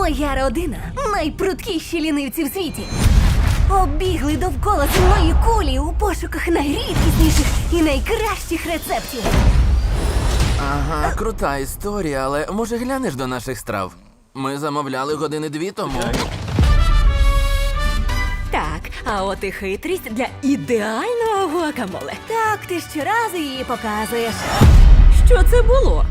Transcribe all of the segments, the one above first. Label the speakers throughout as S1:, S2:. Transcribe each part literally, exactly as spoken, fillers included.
S1: Моя родина найпруткіші лінивці в світі. Оббігли довкола земної кулі у пошуках найрідкісніших і найкращих рецептів.
S2: Ага, крута історія, але може глянеш до наших страв? Ми замовляли години дві тому.
S3: Так, а от і хитрість для ідеального гуакамоле.
S1: Так, ти щоразу її показуєш.
S3: Що це було?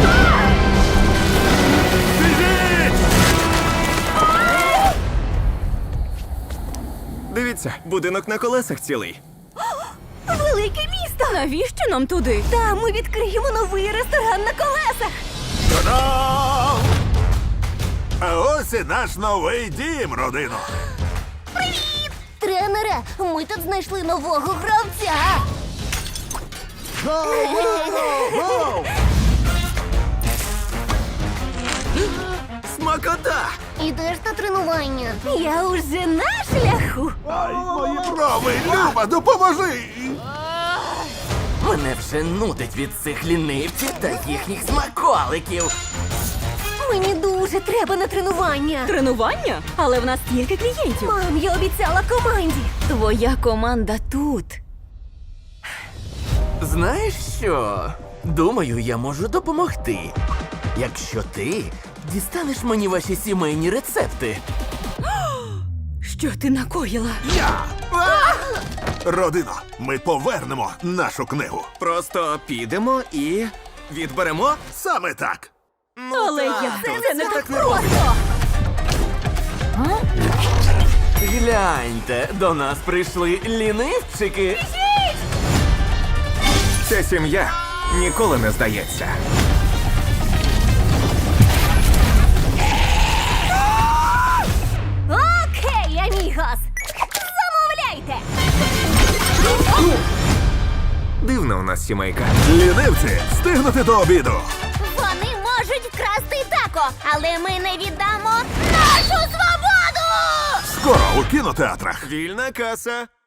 S4: Дивіться, будинок на колесах цілий.
S1: Велике місто!
S3: Навіщо нам туди?
S1: Там ми відкриємо новий ресторан на колесах.
S5: Та-дам! А ось і наш новий дім, родино.
S1: Тренере, ми тут знайшли нового гравця.
S4: Смакота!
S1: Ідеш на тренування. Я уже на шляху.
S5: Ай, мої брови, Люба, допоможи!
S2: Мене вже нудить від цих лінивців та їхніх смаколиків.
S1: Мені дуже треба на тренування.
S3: Тренування? Але в нас стільки клієнтів.
S1: Мам, я обіцяла команді.
S3: Твоя команда тут.
S2: Знаєш що? Думаю, я можу допомогти. Якщо ти дістанеш мені ваші сімейні рецепти.
S3: Що ти накоїла?
S5: Я! Родино, ми повернемо нашу книгу.
S4: Просто підемо і відберемо.
S5: Саме так.
S3: Але я це не так
S1: Просто!
S2: Гляньте, до нас прийшли лінивчики.
S4: Ця сім'я ніколи не здається.
S1: Окей, амігос. Замовляйте.
S4: Дивна у нас сімейка.
S5: Лінивці, встигнути до обіду.
S1: Вони можуть вкрасти тако, але ми не віддамо нашу свободу!
S5: Скоро у кінотеатрах.
S4: Вільна каса.